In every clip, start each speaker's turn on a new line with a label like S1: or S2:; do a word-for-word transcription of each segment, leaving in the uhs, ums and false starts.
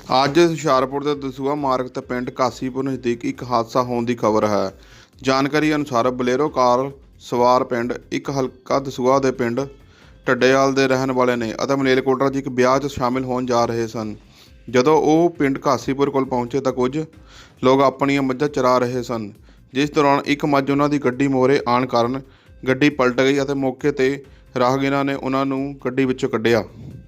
S1: ਅੱਜ ਹੁਸ਼ਿਆਰਪੁਰ ਦੇ ਦਸੂਹਾ ਮਾਰਗ ਤੇ ਪਿੰਡ ਕਾਸੀਪੁਰ ਨਜ਼ਦੀਕ ਇੱਕ ਹਾਦਸਾ ਹੋਣ ਦੀ ਖਬਰ ਹੈ। ਜਾਣਕਾਰੀ ਅਨੁਸਾਰ ਬਲੇਰੋ ਕਾਰ ਸਵਾਰ ਪਿੰਡ ਇੱਕ ਹਲਕਾ ਦਸੂਹਾ ਦੇ ਪਿੰਡ ਢੱਡੇਵਾਲ ਦੇ ਰਹਿਣ ਵਾਲੇ ਨੇ ਅਤੇ ਮਲੇਰਕੋਟਲਾ 'ਚ ਇੱਕ ਵਿਆਹ 'ਚ ਸ਼ਾਮਿਲ ਹੋਣ ਜਾ ਰਹੇ ਸਨ। ਜਦੋਂ ਉਹ ਪਿੰਡ ਕਾਸੀਪੁਰ ਕੋਲ ਪਹੁੰਚੇ ਤਾਂ ਕੁਝ ਲੋਕ ਆਪਣੀਆਂ ਮੱਝਾਂ ਚਰਾ ਰਹੇ ਸਨ, ਜਿਸ ਦੌਰਾਨ ਇੱਕ ਮੱਝ ਉਹਨਾਂ ਦੀ ਗੱਡੀ ਮੋਹਰੇ ਆਉਣ ਕਾਰਨ ਗੱਡੀ ਪਲਟ ਗਈ ਅਤੇ ਮੌਕੇ ਤੇ ਰਾਹਗੀਰਾਂ ਨੇ ਉਹਨਾਂ ਨੂੰ ਗੱਡੀ ਵਿੱਚੋਂ ਕੱਢਿਆ।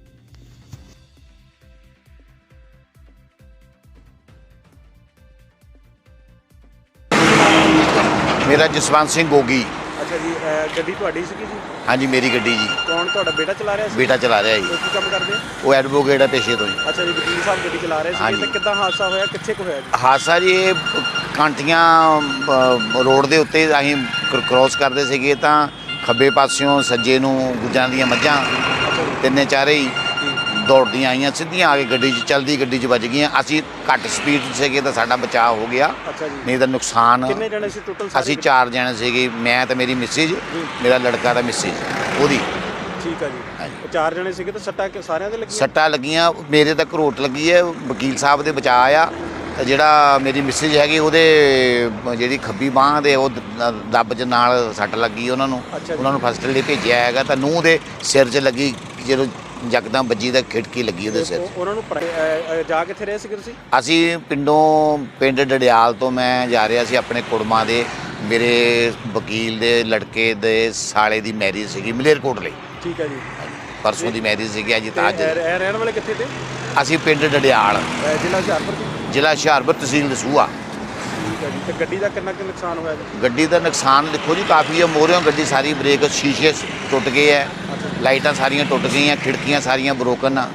S2: मेरा जसवंत सिंह गोगी।
S3: अच्छा जी, ਗੱਡੀ ਤੁਹਾਡੀ ਸੀਗੀ ਜੀ?
S2: हाँ जी, मेरी गड्डी जी।
S3: ਕੌਣ ਤੁਹਾਡਾ ਬੇਟਾ ਚਲਾ ਰਿਹਾ ਸੀ?
S2: बेटा चला रहा
S3: ਉਹ
S2: जी।
S3: ਕੀ ਕੰਮ ਕਰਦੇ ਆ?
S2: वो एडवोकेट है पेशे तो जी।
S3: ਅੱਛਾ ਜੀ, ਵਕੀਲ ਸਾਹਿਬ ਗੱਡੀ ਚਲਾ ਰਹੇ
S2: हाँ
S3: ਸੀ
S2: जी।
S3: ਤੇ ਕਿੱਦਾਂ ਹਾਦਸਾ ਹੋਇਆ, ਕਿੱਥੇ ਕੁ ਹੋਇਆ ਜੀ?
S2: ਹਾਦਸਾ ਜੀ ਇਹ ਕਾਂਟੀਆਂ ਅ, ਰੋਡ ਦੇ ਉੱਤੇ ਅਸੀਂ ਕ੍ਰੋਸ ਕਰਦੇ ਸੀਗੇ ਤਾਂ ਖੱਬੇ ਪਾਸਿਓਂ ਸੱਜੇ ਨੂੰ ਗੁੱਜਾਂ ਦੀਆਂ ਮੱਝਾਂ ਤਿੰਨੇ ਚਾਰੇ ਹੀ ਦੌੜਦੀਆਂ ਆਈਆਂ, ਸਿੱਧੀਆਂ ਆ ਕੇ ਗੱਡੀ 'ਚ ਚਲਦੀ ਗੱਡੀ 'ਚ ਵੱਜ ਗਈਆਂ। ਅਸੀਂ ਘੱਟ ਸਪੀਡ 'ਚ ਸੀਗੇ ਤਾਂ ਸਾਡਾ ਬਚਾਅ ਹੋ ਗਿਆ,
S3: ਅੱਛਾ ਜੀ।
S2: ਨਹੀਂ ਤਾਂ ਨੁਕਸਾਨ।
S3: ਕਿੰਨੇ ਜਣੇ ਸੀ ਟੋਟਲ?
S2: ਅਸੀਂ ਚਾਰ ਜਣੇ ਸੀਗੇ, ਮੈਂ ਤੇ ਮੇਰੀ ਮਿਸਿਜ, ਮੇਰਾ ਲੜਕਾ ਤਾਂ ਮਿਸਿਜ ਉਹਦੀ।
S3: ਠੀਕ ਹੈ ਜੀ।
S2: ਹਾਂਜੀ।
S3: ਉਹ ਚਾਰ ਜਣੇ ਸੀਗੇ ਤਾਂ ਸੱਟਾਂ ਕਿ ਸਾਰਿਆਂ ਦੇ ਲੱਗੀਆਂ?
S2: ਸੱਟਾਂ ਲੱਗੀਆਂ, ਮੇਰੇ ਤਾਂ ਘਰੋਟ ਲੱਗੀ ਹੈ, ਵਕੀਲ ਸਾਹਿਬ ਦੇ ਬਚਾਅ ਆ। ਤੇ ਜਿਹੜਾ ਮੇਰੀ ਮਿਸਿਜ ਹੈਗੀ ਉਹਦੇ ਜਿਹੜੀ ਖੱਬੀ ਬਾਂਹ ਦੇ ਉਹ ਦ- ਦੱਬ 'ਚ ਨਾਲ ਸੱਟ ਲੱਗੀ ਉਹਨਾਂ ਨੂੰ।
S3: ਅੱਛਾ ਜੀ।
S2: ਉਹਨਾਂ ਨੂੰ ਫਸਟ ਲਈ ਭੇਜਿਆ ਹੈਗਾ ਤਾਂ ਨੂੰਹ ਦੇ ਸਿਰ 'ਚ ਲੱਗੀ, ਜਦੋਂ ਯਕਦਮ ਵੱਜੀ ਤਾਂ ਖਿੜਕੀ ਲੱਗੀ ਉਹਦੇ ਸਿਰ 'ਚ।
S3: ਉਹ- ਉਹਨਾਂ ਨੂੰ ਪੜ੍ਹ- ਅ, ਅ, ਜਾ ਕਿੱਥੇ ਰਹੇ ਸੀਗੇ ਤੁਸੀਂ?
S2: ਅਸੀਂ ਪਿੰਡੋਂ ਪਿੰਡ ਡੜਿਆਲ ਤੋਂ ਮੈਂ ਜਾ ਰਿਹਾ ਸੀ ਆਪਣੇ ਕੁੜਮਾਂ ਦੇ, ਮੇਰੇ ਵਕੀਲ ਦੇ ਲੜਕੇ ਦੇ ਸਾਲੇ ਦੀ ਮੈਰਿਜ ਸੀਗੀ ਮਲੇਰਕੋਟਲੇ।
S3: ਠੀਕ ਹੈ ਜੀ।
S2: ਪਰਸੋਂ ਦੀ ਮੈਰਿਜ ਸੀਗੀ, ਅੱਜ ਤਾਂ ਅੱਜ
S3: ਤੇ ਇਹ ਰਹਿਣ ਵਾਲੇ ਕਿੱਥੇ ਤੇ?
S2: ਅਸੀਂ ਪਿੰਡ ਡੜਿਆਲ,
S3: ਅ, ਜ਼ਿਲ੍ਹਾ ਹੁਸ਼ਿਆਰਪੁਰ ਜੀ?
S2: ਜ਼ਿਲ੍ਹਾ ਹੁਸ਼ਿਆਰਪੁਰ, ਤਹਿਸੀਲ ਦਸੂਹਾ।
S3: ਠੀਕ ਹੈ ਜੀ। ਤੇ ਗੱਡੀ ਦਾ ਕਿੰਨਾ ਕੁ ਨੁਕਸਾਨ ਹੋਇਆ ਜੀ?
S2: ਗੱਡੀ ਦਾ ਨੁਕਸਾਨ ਦੇਖੋ ਜੀ ਕਾਫੀ ਹੈ। ਮੋਹਰਿਓਂ ਗੱਡੀ ਸਾਰੀ ਬ੍ਰੇਕ ਸ਼ੀਸ਼ੇ ਟੁੱਟ ਗਏ ਹੈ, ਲਾਈਟਾਂ ਸਾਰੀਆਂ ਟੁੱਟ ਗਈਆਂ, ਖਿੜਕੀਆਂ ਸਾਰੀਆਂ ਬਰੋਕਨ ਆ।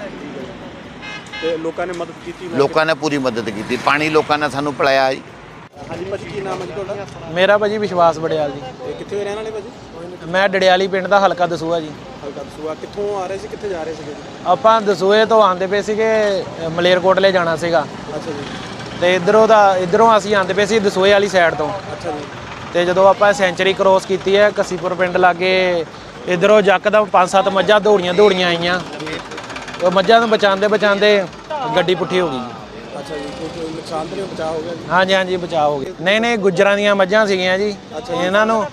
S3: ਤੇ ਲੋਕਾਂ ਨੇ ਮਦਦ ਕੀਤੀ? ਮੌਕੇ
S2: ਲੋਕਾਂ ਨੇ ਪੂਰੀ ਮਦਦ ਕੀਤੀ, ਪਾਣੀ ਲੋਕਾਂ ਨੇ ਸਾਨੂੰ ਪਿਲਾਇਆ ਜੀ।
S3: ਤੇ? ਹਾਂਜੀ ਭਾਜੀ, ਕੀ ਨਾਮ ਹੈ ਜੀ ਤੁਹਾਡਾ?
S4: ਮੇਰਾ ਭਾਜੀ ਵਿਸ਼ਵਾਸ ਬੜਿਆਲ ਜੀ।
S3: ਤੇ ਕਿੱਥੇ ਦੇ ਰਹਿਣ ਵਾਲੇ ਭਾਜੀ?
S4: ਮੈਂ ਡੜਿਆਲੀ ਪਿੰਡ ਦਾ ਹਲਕਾ ਦਸੂਹਾ ਜੀ।
S3: ਹਲਕਾ ਦਸੂਹਾ। ਕਿੱਥੋਂ ਆ ਰਹੇ ਸੀ, ਕਿੱਥੇ ਜਾ ਰਹੇ ਸੀਗੇ ਜੀ?
S4: ਆਪਾਂ ਦਸੂਹੇ ਤੋਂ ਆਂਦੇ ਪਏ ਸੀਗੇ, ਅ, ਮਲੇਰਕੋਟਲੇ ਜਾਣਾ ਸੀਗਾ
S3: ਅੱਛਾ ਜੀ।
S4: ਤੇ ਇਧਰੋਂ ਦਾ ਇਧਰੋਂ ਅਸੀਂ ਆਂਦੇ ਪਏ ਸੀ ਦਸੂਹੇ ਵਾਲੀ ਸਾਈਡ ਤੋਂ।
S3: ਅੱਛਾ ਜੀ।
S4: ਤੇ ਜਦੋਂ ਆਪਾਂ ਸੈਂਚਰੀ ਕ੍ਰੋਸ ਕੀਤੀ ਹੈ ਕਸੀਪੁਰ ਪਿੰਡ ਲਾਗੇ, ਇਧਰੋਂ ਯਕਦਮ ਪੰਜ ਸੱਤ ਮੱਝਾਂ ਦੌੜੀਆਂ ਦੌੜੀਆਂ ਆਈਆਂ। ਉਹ ਮੱਝਾਂ ਨੂੰ ਬਚਾਉਂਦੇ ਬਚਾਉਂਦੇ ਗੱਡੀ ਪੁੱਠੀ ਹੋ ਗਈ ਜੀ।
S3: ਅੱਛਾ ਜੀ। ਕੋਈ ਨੁਕਸਾਨ ਤਾਂ ਨਹੀਂ, ਬਚਾਅ ਹੋ ਗਿਆ ਜੀ?
S4: ਹਾਂਜੀ ਹਾਂਜੀ, ਬਚਾਅ ਹੋ ਗਿਆ। ਨਹੀਂ ਨਹੀਂ, ਗੁੱਜਰਾਂ ਦੀਆਂ ਮੱਝਾਂ ਸੀਗੀਆਂ ਜੀ। ਇਹਨਾਂ ਨੂੰ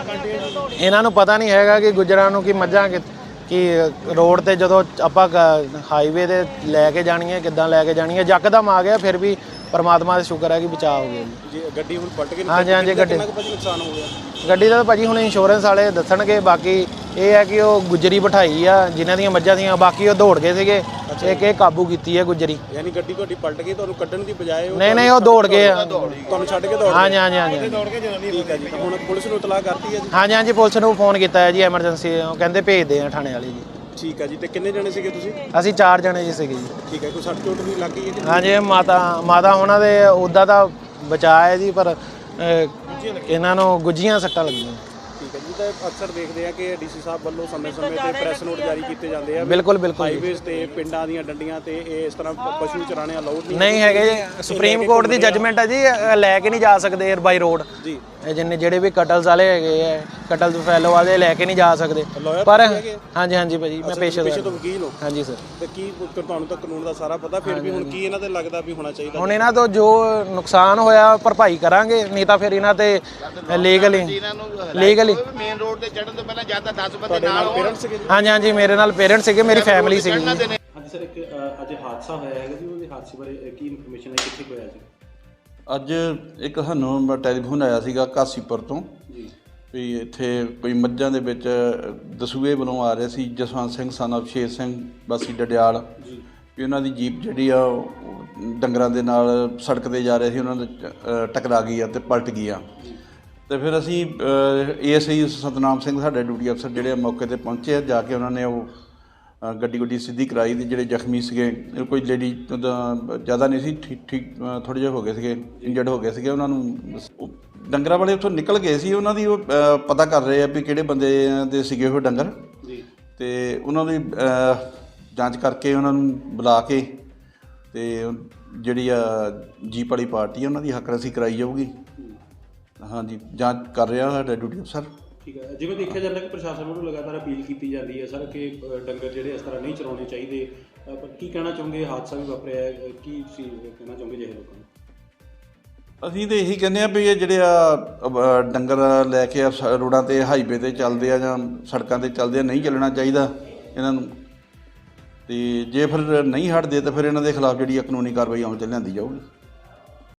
S4: ਇਹਨਾਂ ਨੂੰ ਪਤਾ ਨਹੀਂ ਹੈਗਾ ਕਿ ਗੁੱਜਰਾਂ ਨੂੰ ਕਿ ਮੱਝਾਂ ਕਿ ਕਿ ਰੋਡ ਤੇ ਜਦੋਂ ਆਪਾਂ ਹਾਈਵੇ ਤੇ ਲੈ ਕੇ ਜਾਣੀਆਂ, ਕਿੱਦਾਂ ਲੈ ਕੇ ਜਾਣੀਆਂ, ਯਕਦਮ ਆ ਗਿਆ। ਫਿਰ ਵੀ ਪਰਮਾਤਮਾ ਦਾ ਸ਼ੁਕਰ ਹੈ ਕਿ ਬਚਾਅ ਹੋ ਗਿਆ ਜੀ।
S3: ਜੀ ਗੱਡੀ ਹੁਣ ਪਲਟ ਗਈ?
S4: ਹਾਂਜੀ, ਹਾਂਜੀ, ਗੱਡੀ-
S3: ਕਿੰਨਾ ਕੁ ਭਾਜੀ ਨੁਕਸਾਨ ਹੋ ਗਿਆ?
S4: ਗੱਡੀ ਦਾ ਤਾਂ ਭਾਜੀ ਹੁਣ ਇੰਸ਼ੋਰੈਂਸ ਵਾਲੇ ਦੱਸਣਗੇ। ਬਾਕੀ ਇਹ ਹੈ ਕਿ ਉਹ ਗੁੱਜਰੀ ਬਿਠਾਈ ਆ ਜਿਨ੍ਹਾਂ ਦੀਆਂ ਮੱਝਾਂ ਸੀਗੀਆਂ, ਬਾਕੀ ਉਹ ਦੌੜ ਗਏ ਸੀਗੇ। ਇੱਕ ਇਹ ਕਾਬੂ ਕੀਤੀ ਹੈ ਗੁੱਜਰੀ।
S3: ਯਾਨੀ ਗੱਡੀ ਤੁਹਾਡੀ ਪਲਟ ਗਈ, ਤੁਹਾਨੂੰ ਕੱਢਣ ਦੀ ਬਜਾਏ ਉਹ
S4: ਨਹੀਂ ਨਹੀਂ, ਉਹ ਦੌੜ ਗਏ ਆ।
S3: ਤੁਹਾਨੂੰ ਛੱਡ ਕੇ ਦੌੜ
S4: ਹਾਂਜੀ ਹਾਂਜੀ ਹਾਂਜੀ
S3: ਗਏ? ਠੀਕ ਹੈ ਜੀ। ਤਾਂ ਹੁਣ ਪੁਲਿਸ ਨੂੰ ਇਤਲਾਹ ਕਰਤੀ ਹੈ ਜੀ?
S4: ਹਾਂਜੀ ਹਾਂਜੀ, ਪੁਲਿਸ ਨੂੰ ਫੋਨ ਕੀਤਾ ਹੈ ਜੀ, ਐਮਰਜੈਂਸੀ। ਉਹ ਕਹਿੰਦੇ ਭੇਜਦੇ ਆ ਥਾਣੇ ਵਾਲੇ ਜੀ।
S3: ਠੀਕ ਹੈ ਜੀ। ਤੇ ਕਿੰਨੇ ਜਣੇ ਸੀਗੇ ਤੁਸੀਂ?
S4: ਅਸੀਂ ਚਾਰ ਜਣੇ ਜੀ ਸੀਗੇ ਜੀ।
S3: ਠੀਕ ਹੈ। ਕੋਈ ਸੱਟ ਚੋਟ ਵੀ ਲੱਗ ਗਈ ਹੈ ਜੀ?
S4: ਹਾਂਜੀ, ਮਾਤਾ ਮਾਤਾ ਉਹਨਾਂ ਦੇ ਉੱਦਾਂ ਤਾਂ ਬਚਾਅ ਹੈ ਜੀ, ਪਰ ਅਹ, ਇਹਨਾਂ ਨੂੰ ਗੁੱਜੀਆਂ ਸੱਟਾਂ ਲੱਗੀਆਂ।
S3: ਠੀਕ ਹੈ ਜੀ। ਤਾਂ ਅਕਸਰ ਦੇਖਦੇ ਆ ਕਿ ਡੀਸੀ ਸਾਹਿਬ ਵੱਲੋਂ ਸਮੇਂ-ਸਮੇਂ ਤੇ ਪ੍ਰੈਸ ਨੋਟ ਜਾਰੀ ਕੀਤੇ ਜਾਂਦੇ ਆ।
S4: ਬਿਲਕੁਲ ਬਿਲਕੁਲ ਜੀ।
S3: ਹਾਈਵੇਜ਼ ਤੇ ਪਿੰਡਾਂ ਦੀਆਂ ਡੰਡੀਆਂ ਤੇ ਇਹ ਇਸ ਤਰ੍ਹਾਂ ਪ- ਪਸ਼ੂ ਚਰਾਣੇ ਅਲਾਉਡ ਨਹੀਂ
S4: ਨਹੀਂ ਹੈਗੇ ਜੀ, ਸੁਪਰੀਮ ਕੋਰਟ ਦੀ ਜੱਜਮੈਂਟ ਹੈ ਜੀ। ਅਹ, ਲੈ ਕੇ ਨਹੀਂ ਜਾ ਸਕਦੇ ਏਅਰ ਬਾਈ ਰੋਡ।
S3: ਜੀ।
S4: ਇਹ ਜਿੰਨੇ ਜਿਹੜੇ ਵੀ ਕਟਲਸ ਵਾਲੇ ਹੈਗੇ ਆ, ਕਟਲਸ ਫੈਲੋ ਵਾਲੇ ਲੈ ਕੇ ਨਹੀਂ ਜਾ ਸਕਦੇ।
S3: lawyer
S4: ਪਰ
S3: ਤੁਸੀਂ ਹੈਗੇ?
S4: ਹਾਂਜੀ ਹਾਂਜੀ ਭਾਜੀ, ਮੈਂ
S3: ਪੇਸ਼ੇ
S4: ਪੇਸ਼ੇਦਾਰ
S3: ਤੋਂ ਵਕੀਲ ਹੋ?
S4: ਹਾਂਜੀ ਸਰ।
S3: ਤੇ ਕੀ ਤੁਹਾਨੂੰ ਤਾਂ ਕਾਨੂੰਨ ਦਾ ਸਾਰਾ ਪਤਾ, ਫਿਰ ਵੀ ਹੁਣ ਕੀ ਇਹਨਾਂ ਤੇ ਲੱਗਦਾ ਵੀ ਹੋਣਾ ਚਾਹੀਦਾ?
S4: ਹੁਣ ਇਹਨਾਂ ਤੋਂ ਜੋ ਨੁਕਸਾਨ ਹੋਇਆ ਭਰਪਾਈ ਕਰਾਂਗੇ, ਨਹੀਂ ਤਾਂ ਫਿਰ ਇਹਨਾਂ ਤੇ ਲੀਗਲੀ ਲੀਗਲੀ
S2: ਮੇਨ ਰੋਡ ਤੇ ਚੜਨ ਤੋਂ ਪਹਿਲਾਂ ਜਾਂ ਤਾਂ ਦਸ ਬੰਦੇ
S3: ਤੁਹਾਡੇ ਨਾਲ ਪੇਰੈਂਟਸ ਸੀਗੇ ਜੀ?
S4: ਹਾਂਜੀ ਹਾਂਜੀ, ਮੇਰੇ ਨਾਲ ਪੇਰੈਂਟਸ ਸੀਗੇ, ਮੇਰੀ ਫੈਮਿਲੀ ਸੀਗੀ ਜੀ।
S3: ਹਾਂਜੀ ਸਰ, ਇੱਕ ਅ, ਅੱਜ ਹਾਦਸਾ ਹੋਇਆ ਹੈਗਾ ਜੀ, ਉਹਦੇ ਹਾਦਸੇ ਬਾਰੇ ਅ, ਕੀ ਇਨਫੋਰਮੇਸ਼ਨ ਹੈ, ਕਿੱਥੇ ਕੁ ਹੋਇਆ ਜੀ?
S5: ਅੱਜ ਇੱਕ ਸਾਨੂੰ ਟੈਲੀਫੋਨ ਆਇਆ ਸੀਗਾ ਕਾਸੀਪੁਰ ਤੋਂ
S3: ਜੀ।
S5: ਵੀ ਇੱਥੇ ਕੋਈ ਮੱਝਾਂ ਦੇ ਵਿੱਚ ਦਸੂਹੇ ਵੱਲੋਂ ਆ ਰਹੇ ਸੀ ਜਸਵੰਤ ਸਿੰਘ ਸਨ ਆਫ ਸ਼ੇਰ ਸਿੰਘ ਵਾਸੀ ਡਡਿਆਲ
S3: ਜੀ।
S5: ਵੀ ਉਹਨਾਂ ਦੀ ਜੀਪ ਜਿਹੜੀ ਆ ਉਹ ਡੰਗਰਾਂ ਦੇ ਨਾਲ ਸੜਕ 'ਤੇ ਜਾ ਰਹੇ ਸੀ, ਉਹਨਾਂ ਦੇ ਅ, ਟਕਰਾ ਗਈ ਆ ਅਤੇ ਪਲਟ ਗਈ ਆ। ਅਤੇ ਫਿਰ ਅਸੀਂ A S I Satnam Singh ਸਾਡੇ ਡਿਊਟੀ ਅਫਸਰ ਜਿਹੜੇ ਮੌਕੇ 'ਤੇ ਪਹੁੰਚੇ ਆ, ਜਾ ਕੇ ਉਹਨਾਂ ਨੇ ਉਹ ਅ, ਗੱਡੀ ਗੁੱਡੀ ਸਿੱਧੀ ਕਰਾਈ। ਅਤੇ ਜਿਹੜੇ ਜ਼ਖਮੀ ਸੀਗੇ, ਕੋਈ ਲੇਡੀ ਜ਼ਿਆਦਾ ਨਹੀਂ ਸੀ, ਠੀਕ ਠੀਕ ਥੋੜ੍ਹੇ ਜਿਹੇ ਹੋ ਗਏ ਸੀਗੇ, ਇੰਜਰਡ ਹੋ ਗਏ ਸੀਗੇ। ਉਹਨਾਂ ਨੂੰ ਉਹ ਡੰਗਰਾਂ ਵਾਲੇ ਉੱਥੋਂ ਨਿਕਲ ਗਏ ਸੀ, ਉਹਨਾਂ ਦੀ ਉਹ ਅ, ਪਤਾ ਕਰ ਰਹੇ ਆ ਵੀ ਕਿਹੜੇ ਬੰਦੇ ਦੇ ਸੀਗੇ ਉਹ ਡੰਗਰ।
S3: ਜੀ।
S5: ਅਤੇ ਉਹਨਾਂ ਦੀ ਅ, ਜਾਂਚ ਕਰਕੇ ਉਹਨਾਂ ਨੂੰ ਬੁਲਾ ਕੇ ਅਤੇ ਜਿਹੜੀ ਆ ਜੀਪ ਵਾਲੀ ਪਾਰਟੀ ਆ ਉਹਨਾਂ ਦੀ ਹੱਕ ਰਸੀ ਕਰਾਈ ਜਾਊਗੀ। ਹਾਂਜੀ, ਜਾਂਚ ਕਰ ਰਿਹਾ ਸਾਡਾ ਡਿਊਟੀ ਅਫਸਰ।
S3: ਠੀਕ ਹੈ। ਜਿਵੇਂ ਦੇਖਿਆ ਜਾਂਦਾ ਕਿ ਪ੍ਰਸ਼ਾਸਨ ਵੱਲੋਂ ਲਗਾਤਾਰ ਅਪੀਲ ਕੀਤੀ ਜਾਂਦੀ ਹੈ ਸਰ ਕਿ ਅ, ਡੰਗਰ ਜਿਹੜੇ ਇਸ ਤਰ੍ਹਾਂ ਨਹੀਂ ਚਲਾਉਣੇ ਚਾਹੀਦੇ, ਅ, ਪਰ ਕੀ ਕਹਿਣਾ ਚਾਹੋਗੇ, ਹਾਦਸਾ ਵੀ ਵਾਪਰਿਆ ਹੈ, ਕੀ ਸੀ ਕਹਿਣਾ ਚਾਹੋਗੇ ਜਿਹੇ ਲੋਕਾਂ ਨੂੰ?
S5: ਅਸੀਂ ਤਾਂ ਇਹੀ ਕਹਿੰਦੇ ਆ ਵੀ ਇਹ ਜਿਹੜੇ ਆ ਅਹ, ਡੰਗਰ ਲੈ ਕੇ ਆ ਸ- ਰੋਡਾਂ 'ਤੇ ਹਾਈਵੇ 'ਤੇ ਚੱਲਦੇ ਆ ਜਾਂ ਸੜਕਾਂ 'ਤੇ ਚੱਲਦੇ ਆ, ਨਹੀਂ ਚੱਲਣਾ ਚਾਹੀਦਾ ਇਹਨਾਂ ਨੂੰ। ਤੇ ਜੇ ਫਿਰ ਨਹੀਂ ਹਟਦੇ ਤਾਂ ਫਿਰ ਇਹਨਾਂ ਦੇ ਖਿਲਾਫ ਜਿਹੜੀ ਆ ਕਾਨੂੰਨੀ ਕਾਰਵਾਈ ਅਮਲ 'ਚ ਲਿਆਂਦੀ ਜਾਊਗੀ।